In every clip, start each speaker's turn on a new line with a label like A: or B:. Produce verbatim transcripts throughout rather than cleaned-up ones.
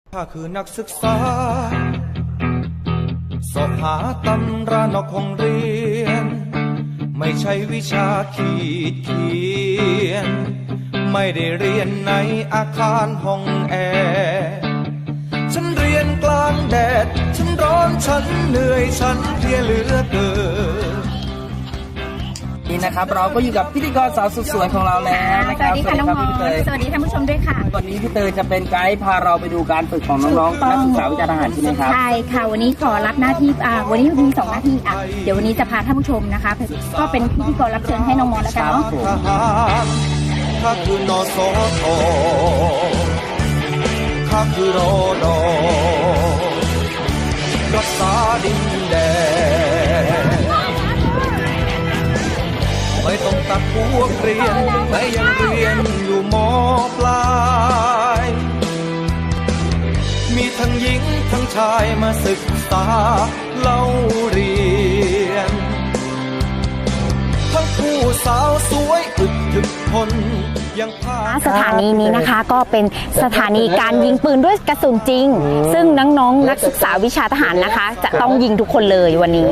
A: ข้าคือนักศึกษาสอบหาตำรานอกห้องเรียนไม่ใช่วิชาขีดเขียนไม่ได้เรียนในอาคารห้องแอร์ฉันเรียนกลางแดดฉันร้อนฉันเหนื่อยฉันเพลียเหลือเกิน
B: นี่นะครับเราก็อยู่กับพิธีกรสาวสุดสวยของเราแล้วนะครับ
C: สวัสดีค่ะน้องมอสสวัสดีท่านผู้ชมด้วยค่ะ
B: วันนี้พี่เตยจะเป็นไกด์พาเราไปดูการฝึกของน้องๆนักศึกษาวิชาทหารใช่ไหมครับ
C: ใช่ค่ะวันนี้ขอรับหน้าที่อ่าวันนี้มีสองหน้าที่อ่ะเดี๋ยววันนี้จะพาท่านผู้ชมนะคะก็เป็นพิธีกรรับเชิญให้น้องมอสแล้วกันเนาะ
A: ข้าคือนอสอทอข้าคือรอดอรักษาดินแดนไม่ต้องตัดพวกเรียนแต่ยังเรียนอยู่ม.ปลายมีทั้งหญิงทั้งชายมาศึกษาเล่าเรียนทั้งผู้สาวสวยอึดถึกทนยังพา
D: สถานีนี้นะคะก็เป็นสถานีการยิงปืนด้วยกระสุนจริงซึ่งน้องๆนักศึกษาวิชาทหารนะคะจะต้องยิงทุกคนเลยวันนี้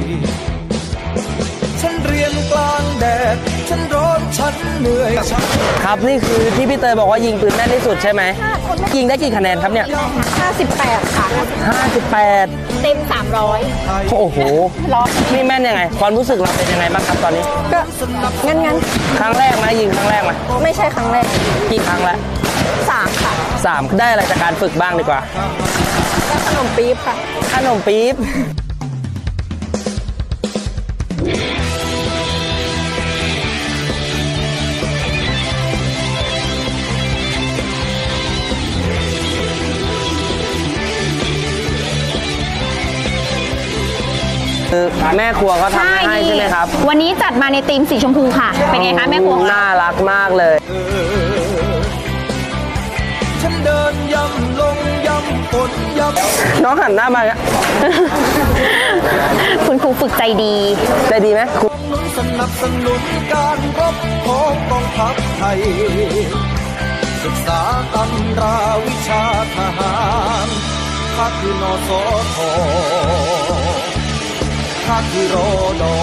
A: ฉันเรียนกลางแดดฉันร้อนฉันเหนื่อย
B: ครับนี่คือที่พี่เตยบอกว่ายิงปืนแม่นที่สุดใช่ไหมยิงได้กี่คะแนนครับเนี่ย
C: ห้าสิบแปดค่ะ
B: ห้าสิบแปด
C: เต็มสามร้อย
B: โอ้โหนี่แม่นยังไงความรู้สึกเราเป็นยังไงบ้างครับตอนนี้
C: ก็งั้นงั้น
B: ครั้งแรกไหมยิงครั้งแรกไหม
C: ไม่ใช่ครั้งแรก
B: กี่ครั้งแล้ว
C: สามค่ะ
B: สามได้อะไรจากการฝึกบ้างดีกว่า
C: ขนมปี๊บค่ะ
B: ขนมปี๊บคือแม่ครัวก็ทำให้ใช่ไหมครับ
D: วันนี้จัดมาในธีมสีชมพูค่ะเป็นไงคะแม่ครัว
B: น่ารักมากเลย
A: ฉันเดินย่ำลงย่ำฝนย่
B: ำน้องหันหน้ามา
D: คุณครูฝึกใจดี
B: ใจดีไหมครู
A: สนับสนุนการรบของกองทัพไทยศึกษาตำราวิชาทหารข้าคือนอสอทอข้าคือรอดอ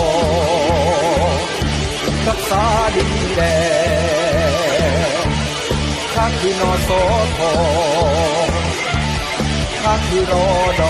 A: รักษาดินแดนข้าคือนอสอทอข้าคือรอดอ